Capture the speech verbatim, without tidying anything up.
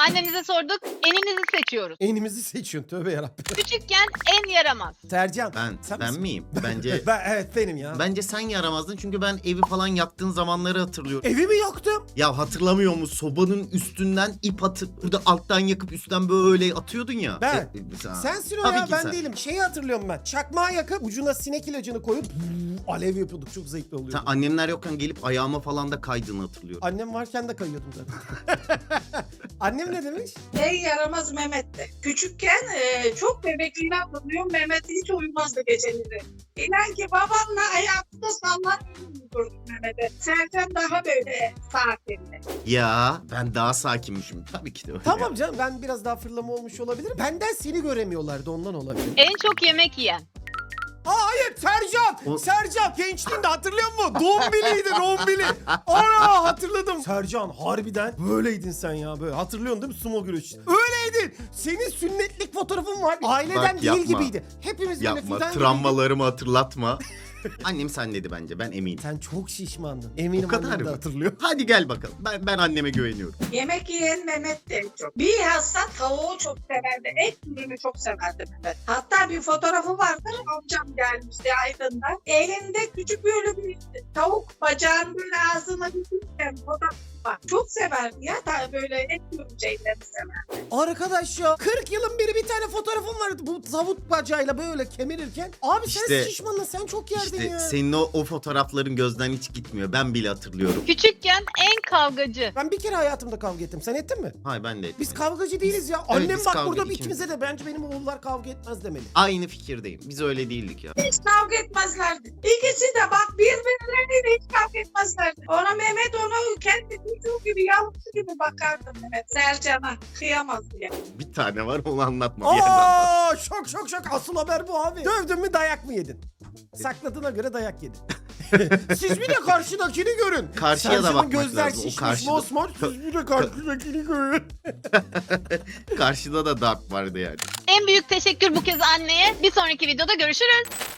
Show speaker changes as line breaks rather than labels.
Annemize sorduk. Eninizi seçiyoruz.
Enimizi seçiyorsun, tövbe yarabbim.
Küçükken en yaramaz.
Sercan.
Ben
sen
ben
misin?
miyim? Bence
Ben, evet benim ya.
bence sen yaramazdın çünkü ben evi falan yaktığın zamanları hatırlıyorum.
Evimi yaktım.
Ya hatırlamıyor musun? Sobanın üstünden ip atıp burada alttan yakıp üstten böyle atıyordun ya.
Ben.
E, e, sen-
Sensin o
Tabii
ya,
ki
ben
sen.
değilim. Şeyi hatırlıyorum ben. Çakmağı yakıp ucuna sinek ilacını koyup alev yapıyorduk. Çok zevkli oluyordu.
Sen annemler yokken gelip ayağıma falan da kaydığını hatırlıyorum.
Annem varken de kayıyordum zaten. Annem ne demiş?
En yaramaz Mehmet'ti. Küçükken e, çok bebekliğini hatırlıyorum. Mehmet hiç uyumazdı geceleri. İnan ki babamla ayakta sallar uyurdum Mehmet'e. Serkan daha böyle sakinli.
Ya ben daha sakinmişim. Tabii ki de öyle.
Tamam canım, ben biraz daha fırlama olmuş olabilirim. Benden seni göremiyorlardı, ondan olabilir.
En çok yemek yiyen.
Aa, hayır, Sercan!
O-
Sercan gençliğinde hatırlıyor musun? Dombili'ydi, Dombili. Ana, hatırladım. Sercan harbiden böyleydin sen ya, böyle. Hatırlıyorsun değil mi sumo güreşi? Öyleydin. Senin sünnetlik fotoğrafın var. Aileden
Bak,
değil
yapma.
gibiydi. Hepimiz böyle
Yapma,
fidan gibiydik.
travmalarımı hatırlatma. Annem sen dedi bence, ben eminim.
Sen çok şişmandın. Eminim
O kadar
annem de
mı?
hatırlıyor.
Hadi gel bakalım. Ben ben anneme güveniyorum.
Yemek yiyen Mehmet de en çok. Bilhassa tavuğu çok severdi. Et ürünü çok severdi Mehmet. Hatta bir fotoğrafı vardır. Amcam gelmişti Aydın'dan. Elinde küçük böyle bir tavuk bacağını böyle ağzına götürürken fotoğrafı var. Çok severdi ya. Ta böyle et ürünü şeylerini severdi.
Arkadaş ya, kırk yılın biri bir tane fotoğrafım vardı. Bu tavuk bacağıyla böyle kemirirken. Abi sen
İşte-
şişmandın, sen çok yerdin
İşte
ya.
senin o, o fotoğrafların gözden hiç gitmiyor. Ben bile hatırlıyorum.
Küçükken en kavgacı.
Ben bir kere hayatımda kavga ettim. Sen ettin mi?
Hayır ben de etmedim.
Biz kavgacı değiliz ya. Annem
biz
bak
kavga-
burada
ikimiz-
ikimize de bence benim oğullar kavga etmez demeli.
Aynı fikirdeyim. Biz öyle değildik ya.
Hiç kavga etmezlerdi. İkisi de bak birbirleriyle hiç kavga etmezlerdi. Ona Mehmet onu kendi çocuğu gibi yavrusu gibi bakardı Mehmet. Sercan'a kıyamaz diye.
Bir tane var, onu anlatma bir yerden.
Aa, şok şok şok, asıl haber bu abi. Dövdün mü dayak mı yedin? Sakladığına göre dayak yedin. Siz bir de karşıdakini görün.
Karşıya da
Sercan'ın
bakmak
gözler
lazım. O
şişmiş
karşıda-
mosmor. Siz bir de karşıdakini görün.
Karşıda da darp vardı yani.
En büyük teşekkür bu kez anneye. Bir sonraki videoda görüşürüz.